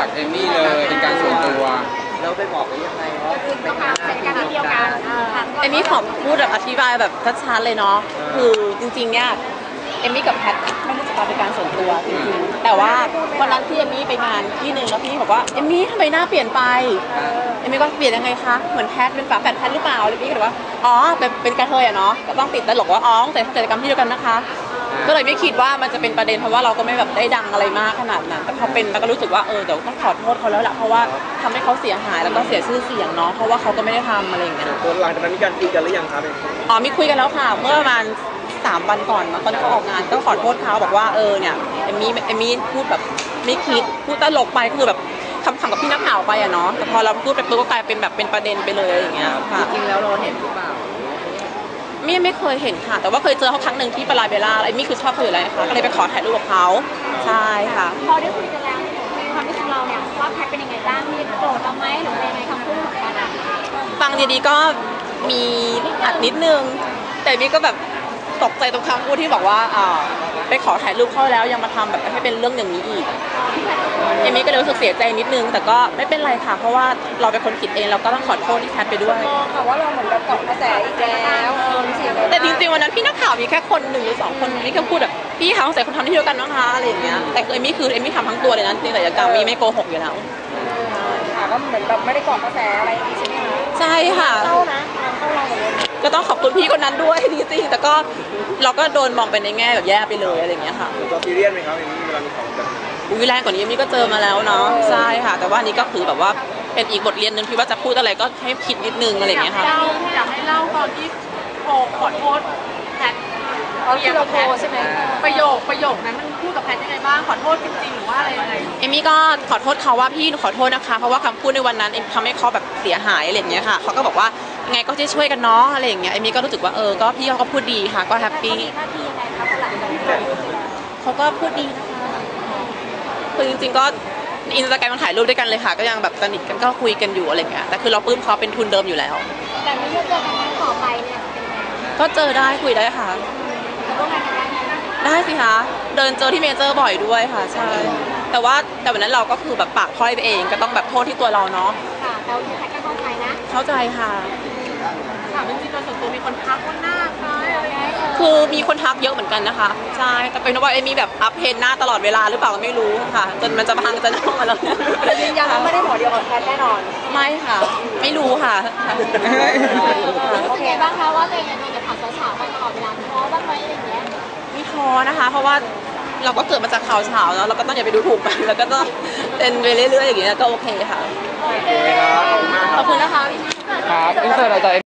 จากเอมมี่เลยเป็นการส่วนตัวเราไปบอกได้ยังไงว่าเป็นการที่เดียวกันเอมมี่ขอพูดแบบอธิบายแบบชัดๆเลยเนาะคือจริงๆเนี่ยเอมมี่กับแพทไม่รู้จักกันเป็นการส่วนตัวจริงๆแต่ว่าวันนั้นที่เอมมี่ไปงานที่หนึ่งแล้วพี่บอกว่าเอมมี่ทำไมหน้าเปลี่ยนไปเอมมี่ก็เปลี่ยนยังไงคะเหมือนแพทเป็นฝาแฝดแพทหรือเปล่าเอมมี่ก็เลยว่าอ๋อเป็นกระเทยอะเนาะก็ต้องติดตลกว่าอ๋อแต่กิจกรรมที่เดียวกันนะคะก็เลยไม่คิดว่ามันจะเป็นประเด็นเพราะว่าเราก็ไม่แบบได้ดังอะไรมากขนาดนั้นแต่พอเป็นแล้วก็รู้สึกว่าเดี๋ยวต้องขอโทษเขาแล้วแหละเพราะว่าทำให้เขาเสียหายแล้วก็เสียชื่อเสียงเนาะเพราะว่าเขาก็ไม่ได้ทำอะไรอย่างเงี้ยหลังจากนั้นมีการคุยกันหรือยังครับอ๋อมีคุยกันแล้วค่ะเมื่อประมาณ3 วันก่อนตอนเขาออกงานก็ขอโทษเขาบอกว่าเนี่ยเอมมี่พูดแบบไม่คิดพูดตลกไปคือแบบคำกับพี่นักข่าวไปอะเนาะแต่พอเราพูดไปปุ๊บก็กลายเป็นแบบเป็นประเด็นไปเลยอย่างเงี้ยค่ะจริงๆแล้วเราเห็นหรือเปล่าไม่เคยเห็นค่ะแต่ว่าเคยเจอเขาครั้งหนึ่งที่ปลาเบลล่าเอมมี่คือชอบเขาอยู่แล้วค่ะก็เลยไปขอถ่ายรูปกับเขาใช่ค่ะพอได้คุยกันแล้วในความรู้สึกเราเนี่ยว่าแพทเป็นยังไงบ้างมีโกรธเราไหมหรือยังไงคำพูดของกันฟังดีๆก็มีอัดนิดนึงแต่มี่ก็แบบตกใจตรงคำพูดที่บอกว่าไปขอถ่ายรูปเขาแล้วยังมาทำแบบให้เป็นเรื่องอย่างนี้อีกเอมี่ก็เลยรู้สึกเสียใจนิดนึงแต่ก็ไม่เป็นไรค่ะเพราะว่าเราเป็นคนผิดเองเราก็ต้องขอโทษที่แพทไปด้วยค่ะว่าเราเหมือนแบบเกาะกระแสอีกแล้วแต่จริงๆวันนั้นพี่นักข่าวมีแค่คน1 หรือ 2 คนนี่ก็พูดแบบพี่คะสงสัยคนทำที่เดียวกันนะคะอะไรอย่างเงี้ยแต่เอมี่ทำทั้งตัวเลยนะจริงๆศัลยกรรมมี่ไม่โกหกอยู่แล้วค่ะก็เหมือนแบบไม่ได้เกาะกระแสอะไรใช่ไหมคะใช่ค่ะเข้านะเข้าเราหมดเลยก็ต้องขอบคุณพี่คนนั้นด้วยจริงๆแต่ก็เราก็โดนมองไปในแง่แบบแย่ไปเลยอะไรอย่างเงี้ยค่ะตัวซีเรียสไหมครับอย่างนี้เวลามีของแบบแรงกว่านี้มี่ก็เจอมาแล้วเนาะใช่ค่ะแต่ว่านี้ก็คือแบบว่าเป็นอีกบทเรียนนึงที่ว่าจะพูดอะไรก็ให้คิดนิดนึงอะไรอย่างเงี้ยค่ะอยากให้เล่าตอนที่โทรขอโทษแพทที่เราโทรใช่ไหมประโยคนั้นมันพูดกับแพทยังไงบ้างขอโทษจริงๆหรือว่าอะไรยังไงเอมี่ก็ขอโทษเขาว่าพี่ขอโทษนะคะเพราะว่าคำพูดในวันนั้นทำให้เขาแบบเสียหายอะไรอย่างเงี้ยค่ะเขาก็บอกว่าไงก็จะช่วยกันเนาะอะไรอย่างเงี้ยเอมี่ก็รู้สึกว่าก็พี่เขาก็พูดดีค่ะก็แฮปปี้เขาก็พูดดีนะคะคือจริงๆก็อินสตาแกรมมันถ่ายรูปด้วยกันเลยค่ะก็ยังแบบสนิทกันก็คุยกันอยู่อะไรเงี้ยแต่คือเราปลื้มเขาเป็นทุนเดิมอยู่แล้วแต่ไม่เจอกันต่อไปเนี่ยก็เจอได้คุยได้ค่ะได้สิคะเดินเจอที่เมเจอร์บ่อยด้วยค่ะใช่แต่วันนั้นเราก็คือแบบปากพร่อยไปเองก็ต้องแบบโทษที่ตัวเราเนาะค่ะแต่ที่แพทก็เข้าใจนะเข้าใจค่ะถามจริงๆโดยส่วนตัวมีคนทักว่าหน้าคล้ายอะไรคือมีคนทักเยอะเหมือนกันนะคะใช่แต่เป็นว่ามีแบบอัพเพนหน้าตลอดเวลาหรือเปล่าก็ไม่รู้ค่ะจนมันจะพังจะน่องมาแล้วยืนยันว่าไม่ได้หมอเดียวกับแพทแน่นอนไม่ค่ะไม่รู้ค่ะรู้สึกไงบ้างคะว่าตัวเองโดนข่าวเฉามาตลอดเวลาท้อบ้างไหมอะไรอย่างเงี้ยไม่ท้อนะคะเพราะว่าเราก็เกิดมาจากข่าวเช้าแล้วเราก็ต้องอย่าไปดูถูกมันแล้วก็ต้องเป็นไปเรื่อยๆอย่างเงี้ยก็โอเคค่ะโอเคครับขอบคุณนะคะครับอินเสิร์ตอะไร